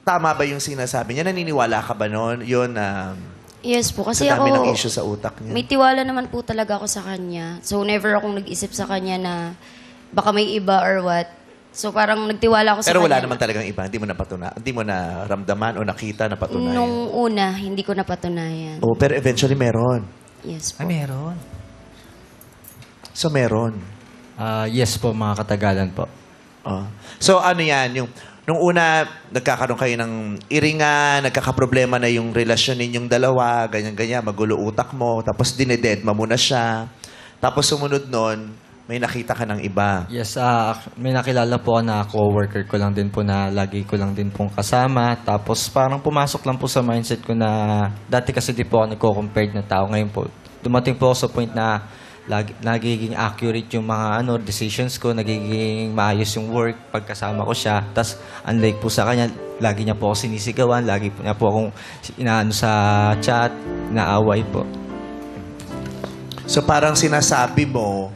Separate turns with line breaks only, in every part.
tama ba yung sinasabi niya? Naniniwala ka ba noon? Yun,
Yes po, kasi
sa dami ng
ako,
issue sa utak niya.
may tiwala naman po talaga ako sa kanya. So, never akong nag-isip sa kanya na baka may iba or what. So, parang nagtiwala ako sa
Pero
kanya.
wala naman talagang iba. Hindi mo na ramdaman o nakita na patunayan.
Nung una, hindi ko napatunayan.
Oh, pero eventually meron.
Yes
Ay,
po.
meron.
So, meron.
Yes po, mga katagalan po.
Oh. So, ano yan? Nung una, nagkakaroon kayo ng iringan, nagkakaproblema na yung relasyon ninyong dalawa, ganyan-ganyan, magulo utak mo, tapos dinededma mo na siya. Tapos sumunod nun, may nakita ka ng iba.
Yes, may nakilala po ako na co-worker ko lang din po na lagi ko lang din pong kasama. Tapos parang pumasok lang po sa mindset ko na dati kasi di po ako nagko-compared na tao. Ngayon po, dumating po ako sa point na nagiging accurate yung mga decisions ko, nagiging maayos yung work pagkasama ko siya. Tapos unlike po sa kanya, lagi niya po ako sinisigawan, lagi po niya po akong inaano sa chat, naaway po.
So, parang sinasabi mo,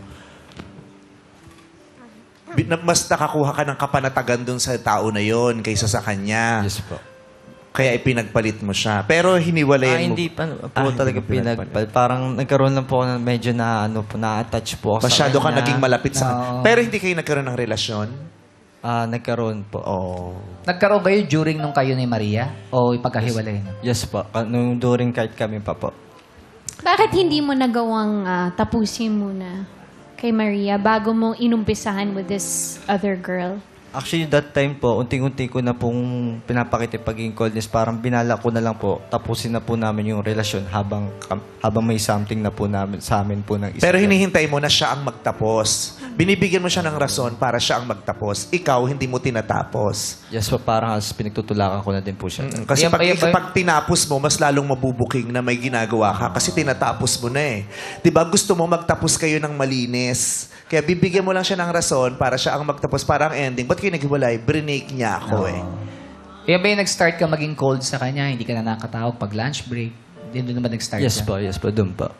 mas nakakuha ka ng kapanatagan dun sa tao na yon kaysa sa kanya.
Yes po.
Kaya ipinagpalit mo siya. Pero hiniwalayan mo.
Hindi pa po
hindi
talaga
mo pinagpalit.
Parang nagkaroon lang po ako ng medyo na na-attach po ako
Masyado ka
sa kanya.
naging malapit sa
Oo.
Pero hindi kayo nagkaroon ng relasyon?
Nagkaroon po.
Oh.
Nagkaroon kayo during nung kayo ni Maria? O ipagkahiwalay na?
Yes po. Nung during kahit kami pa po.
Bakit hindi mo nagawang tapusin muna kay Maria bago mo inumpisahan with this other girl?
Actually, that time po, unti-unti ko na pong pinapakita yung pagiging coldness. Parang binala ko na lang po, tapusin na po namin yung relasyon habang may something na po namin, sa amin po ng isa.
Pero hinihintay mo na siya ang magtapos. Binibigyan mo siya ng rason para siya ang magtapos. Ikaw, hindi mo tinatapos.
Yes po, parang as pinagtutulakan ko na din po siya.
Kasi
Yan ba-
pag tinapos mo, mas lalong mabubuking na may ginagawa ka kasi tinatapos mo na eh. 'Di ba? Gusto mo magtapos kayo ng malinis. Kaya bibigyan mo lang siya ng rason para siya ang magtapos. Parang ending. Ba't kayo naghiwalay? Brinake niya ako eh.
Kaya ba yung nag-start ka maging cold sa kanya? Hindi ka na nakatawag pag lunch break? Hindi doon naman nag-start
Yes
ka?
po, doon po.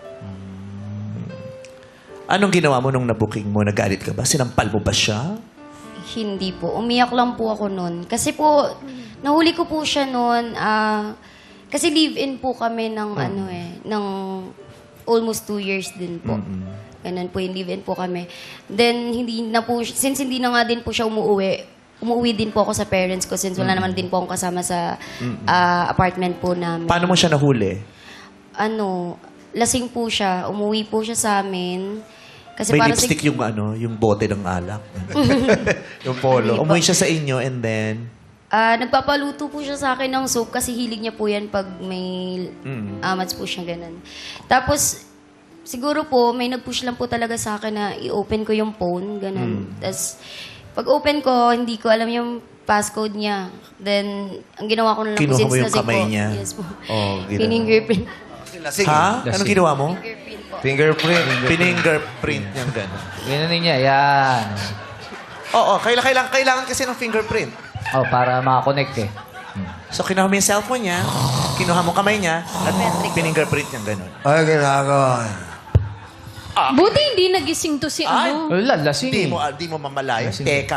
Anong ginawa mo nung nabuking mo? Nagalit ka ba? Sinampal mo ba siya?
Hindi po. Umiyak lang po ako noon. Kasi po, nahuli ko po siya noon. Kasi live-in po kami ng ng almost 2 years din po. Ganun po yung live-in po kami. Then, since hindi na nga din po siya umuwi din po ako sa parents ko since wala naman din po akong kasama sa apartment po namin.
Paano mo siya nahuli?
Lasing po siya. Umuwi po siya sa amin. Kasi
May
para
lipstick yung bote ng alak. Yung polo. Umuwi siya sa inyo and then...
nagpapaluto po siya sa akin ng soup kasi hilig niya po yan pag may amats po siya ganun. Tapos, siguro po, may nag-push lang po talaga sa akin na i-open ko yung phone, ganun. Tapos, pag open ko, hindi ko alam yung passcode niya. Then, ang ginawa ko na lang po,
Kinuha
since
mo yung
lasing
kamay
po.
niya?
Yes po.
Oh, ginawa.
Fingerprint.
Ha? Anong ginawa mo?
Fingerprint po.
Fingerprint. Fingerprint niyang gano'n.
Ganun niya, yan.
Oo, kailangan kasi ng fingerprint.
Oh, para makakonect eh.
So, kinuha mo yung cellphone niya, kinuha mo kamay niya, at fingerprint niyang gano'n.
Ay, ginagawa.
Buti hindi nagising to si ano.
Wala, lasing
Di mo mamalayan. Teka.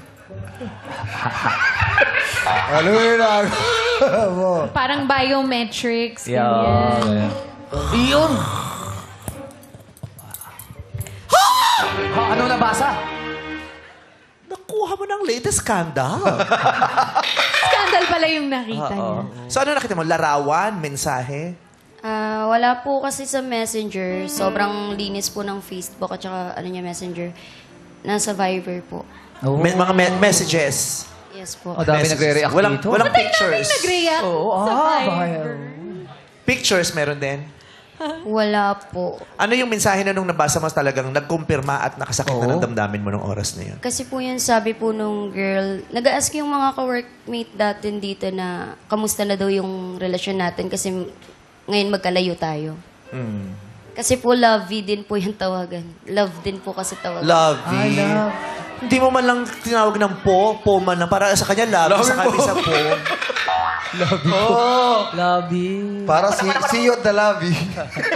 Ano yung ginagawa mo?
Parang biometrics.
Yeah.
ganyan.
Iyon! Ano nabasa?
Nakuha mo ng latest scandal.
Scandal pala yung nakita niya.
So, ano nakita mo? Larawan? Mensahe?
Wala po kasi sa Messenger. Sobrang linis po ng Facebook at saka Messenger. Nasa Viber po.
Oh.
Mga messages.
Yes po.
Oh, dami
Messages.
nagre-react dito.
Walang pictures.
Nag-react
Oo,
sa
Viber.
Viber.
Pictures meron din.
Wala po.
Ano yung mensahe na nung nabasa mo talagang nagkumpirma at nakasakit na
Oo.
ng damdamin mo nung oras na yun?
Kasi po yun, sabi po nung girl, nag-ask yung mga ka-workmate natin dito na kamusta na daw yung relasyon natin kasi ngayon magkalayo tayo. Kasi po lovey din po yung tawagan. Love din po kasi tawagan.
Lovey. Hindi mo man lang tinawag ng po man lang. Para sa kanya, love. Sa kanya, sa po.
Love you.
Para si you at the lobby.